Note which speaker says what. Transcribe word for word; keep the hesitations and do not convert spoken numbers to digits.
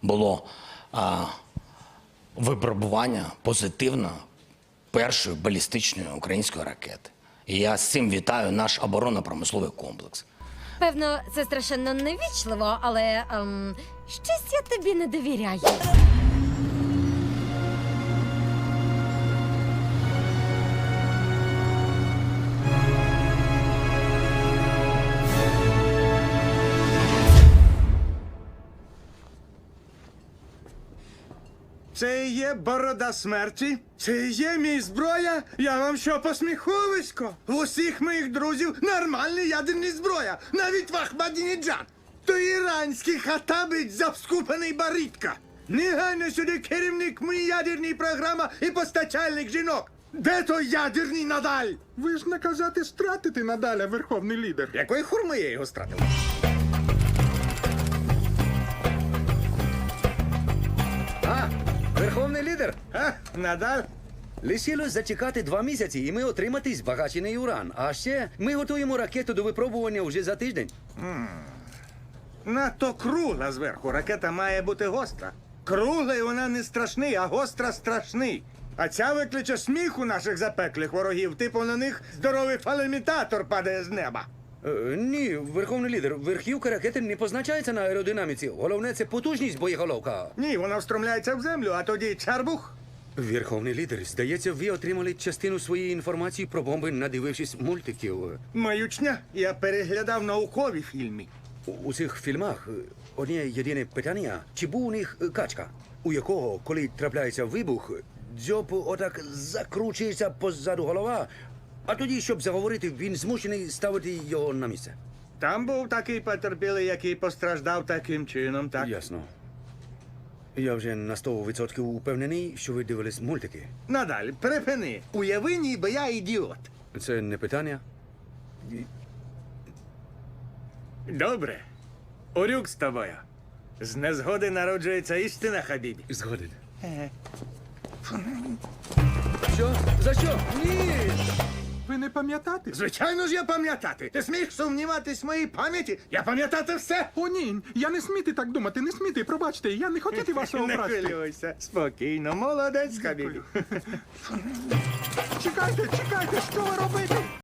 Speaker 1: було а, випробування позитивно першої балістичної української ракети. І я з цим вітаю наш оборонно-промисловий комплекс.
Speaker 2: Певно, це страшенно невічливо, але ем, щось я тобі не довіряю.
Speaker 3: Це є борода смерті? Це є мій зброя? Я вам що, посміховисько? У усіх моїх друзів нормальні ядерні зброя, навіть в Ахмадінеджад. То іранський хатабить завскупаний баритка. Негайно сюди керівник моєї ядерної програми і постачальник жінок. Де той ядерний Надаль?
Speaker 4: Ви ж наказати стратити Надаля, верховний лідер.
Speaker 3: Якої хурми я його стратив?
Speaker 5: А, верховний лідер.
Speaker 3: А, Надаль?
Speaker 5: Лишилось зачекати два місяці, і ми отримати збагачений уран. А ще ми готуємо ракету до випробування вже за тиждень.
Speaker 3: Надто кругла зверху. Ракета має бути гостра. Кругла і вона не страшний, а гостра страшний. А ця викличе сміх у наших запеклих ворогів, типу на них здоровий фалемітатор падає з неба.
Speaker 5: Е, ні, верховний лідер, верхівка ракети не позначається на аеродинаміці. Головне це потужність боєголовка.
Speaker 3: Ні, вона встромляється в землю, а тоді чарбух.
Speaker 5: Верховний лідер, здається, ви отримали частину своєї інформації про бомби, надивившись мультиків.
Speaker 3: Маючня, я переглядав наукові фільми.
Speaker 5: У, у цих фільмах е, одне єдине питання, чи був у них е, качка, у якого, коли трапляється вибух, дзьоб отак закручується позаду голова, а тоді, щоб заговорити, він змушений ставити його на місце.
Speaker 3: Там був такий потерпілий, який постраждав таким чином, так?
Speaker 5: Ясно. Я вже на сто відсотків упевнений, що ви дивились мультики.
Speaker 3: Надаль, припини. Уяви, ніби я ідіот.
Speaker 5: Це не питання.
Speaker 3: Добре. Урюк з тобою. З незгоди народжується істина, Хабібі.
Speaker 5: Згоден. Що? За що? Ні!
Speaker 4: Ви не пам'ятати?
Speaker 3: Звичайно ж я пам'ятати. Ти смієш сумніватись в моїй пам'яті? Я пам'ятати все.
Speaker 4: О, ні, я не сміти так думати, не сміти, пробачте, я не хотіти вас
Speaker 3: Не
Speaker 4: образити.
Speaker 3: хвилюйся. Спокійно, молодець, Хабібі.
Speaker 4: Чекайте, чекайте, що ви робите?